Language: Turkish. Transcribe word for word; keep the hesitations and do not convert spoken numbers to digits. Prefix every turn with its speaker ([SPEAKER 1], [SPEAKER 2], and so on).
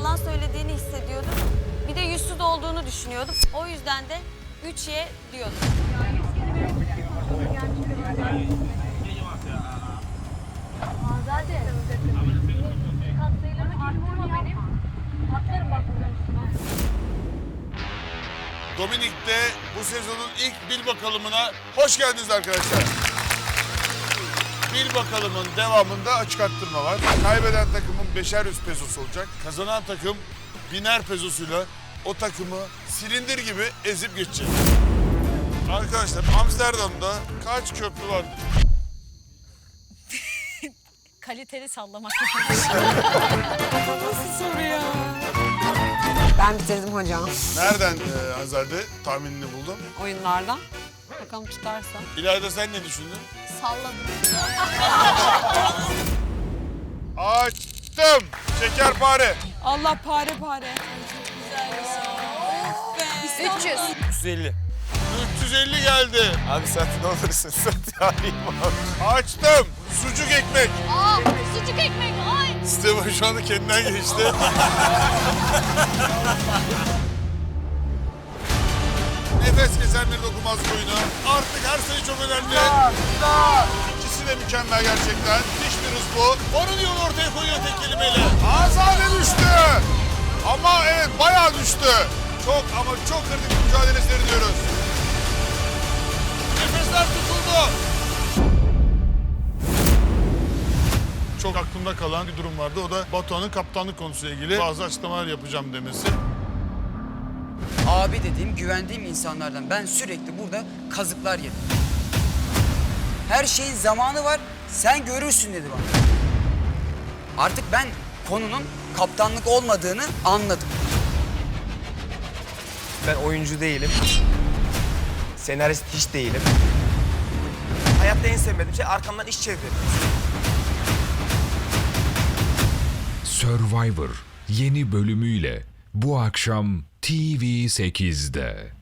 [SPEAKER 1] yalan söylediğini hissediyordum. Bir de yüzsüz olduğunu düşünüyordum. O yüzden de üç ye diyordum.
[SPEAKER 2] Azade. Katsayılarımı arttırma benim. Atlarım bak buradan üstüne.
[SPEAKER 3] Dominik'te bu sezonun ilk bil bakalımına hoş geldiniz arkadaşlar. Bil bakalımın devamında açık arttırma var. Kaybeden takımın beşer yüz pezosu olacak. Kazanan takım biner pezosuyla o takımı silindir gibi ezip geçecek. Arkadaşlar Amsterdam'da kaç köprü var?
[SPEAKER 4] Kaliteli sallamak.
[SPEAKER 5] Ben bitirdim hocam
[SPEAKER 3] Nereden e, Hazade tahminini buldun?
[SPEAKER 5] oyunlardan. Bakalım tutarsa.
[SPEAKER 3] İlayda sen ne düşündün?
[SPEAKER 4] Salladım.
[SPEAKER 3] Açtım. Şekerpare.
[SPEAKER 5] Allah pare pare.
[SPEAKER 4] üç yüz.
[SPEAKER 6] üç yüz elli.
[SPEAKER 3] üç yüz elli geldi.
[SPEAKER 6] Abi sen ne olursun sen arayayım abi.
[SPEAKER 3] Açtım. Sucuk ekmek.
[SPEAKER 4] Aa, sucuk ekmek. Ay.
[SPEAKER 3] Steven şu anda kendinden geçti. Nefes kesen bir dokunmaz oyunu. Artık her sayı çok önemli. İkisi de mükemmel gerçekten. Müthiş bir hız bu. Onun yolu ortaya koyuyor tek kelimeyle. Azade düştü. Ama evet bayağı düştü. Çok ama çok kritik bir mücadele seyrediyoruz. Nefesler tutuldu. Çok aklımda kalan bir durum vardı. O da Batuhan'ın kaptanlık konusuyla ilgili bazı açıklamalar yapacağım demesi.
[SPEAKER 7] Abi dediğim, güvendiğim insanlardan ben sürekli burada kazıklar yedim. Her şeyin zamanı var, sen görürsün dedi bana. Artık ben konunun kaptanlık olmadığını anladım.
[SPEAKER 6] Ben oyuncu değilim. Senarist hiç değilim. Hayatta en sevmediğim şey arkamdan iş çevirmek.
[SPEAKER 8] Survivor yeni bölümüyle bu akşam T V sekizde.